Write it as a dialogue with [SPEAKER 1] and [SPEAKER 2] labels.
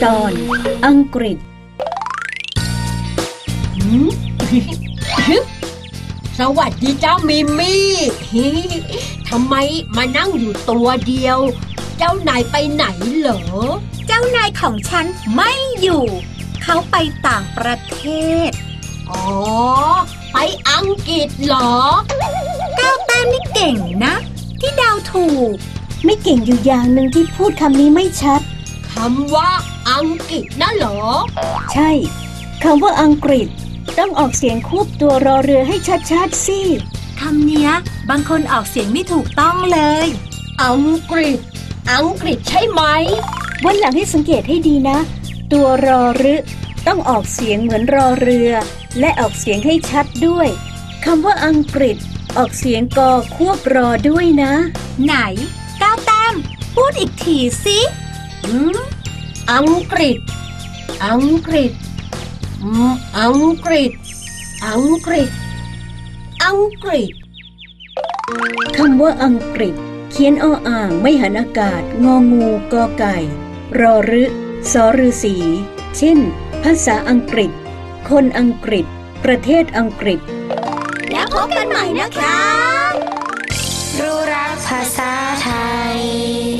[SPEAKER 1] ตอนอังกฤษ
[SPEAKER 2] สวัสดีเจ้ามิมี่ทำไมมานั่งอยู่ตัวเดียวเจ้านายไปไหนเหรอ
[SPEAKER 3] เจ้านายของฉันไม่อยู่เขาไปต่างประเทศ
[SPEAKER 2] อ๋อไปอังกฤษเหรอ
[SPEAKER 3] ก้าวแต้มนี่เก่งนะที่เดาถูก
[SPEAKER 1] ไม่เก่งอยู่อย่างหนึ่งที่พูดคำนี้ไม่ชัด
[SPEAKER 2] คำว่าอังกฤษน่ะเหรอ
[SPEAKER 1] ใช่คำว่าอังกฤษต้องออกเสียงควบตัวรอเรือให้ชัดๆสิ
[SPEAKER 3] คำเนี้ยบางคนออกเสียงไม่ถูกต้องเลย
[SPEAKER 2] อังกฤษใช่ไหม
[SPEAKER 1] วันหลังให้สังเกตให้ดีนะตัวรอรึต้องออกเสียงเหมือนรอเรือและออกเสียงให้ชัดด้วยคำว่าอังกฤษออกเสียงกอควบรอด้วยนะ
[SPEAKER 3] ไหนก้าวแต้มพูดอีกทีสิ
[SPEAKER 2] อังกฤษอังกฤษอังกฤษอังกฤษอังกฤษ
[SPEAKER 1] คำว่าอังกฤษเขียนออ่างไม่หันอากาศงองูกอไก่รอรึสอฤาษีเช่นภาษาอังกฤษคนอังกฤษประเทศอังกฤษ
[SPEAKER 3] แล้วพบกันใหม่นะคะ
[SPEAKER 4] รู้รักภาษาไทย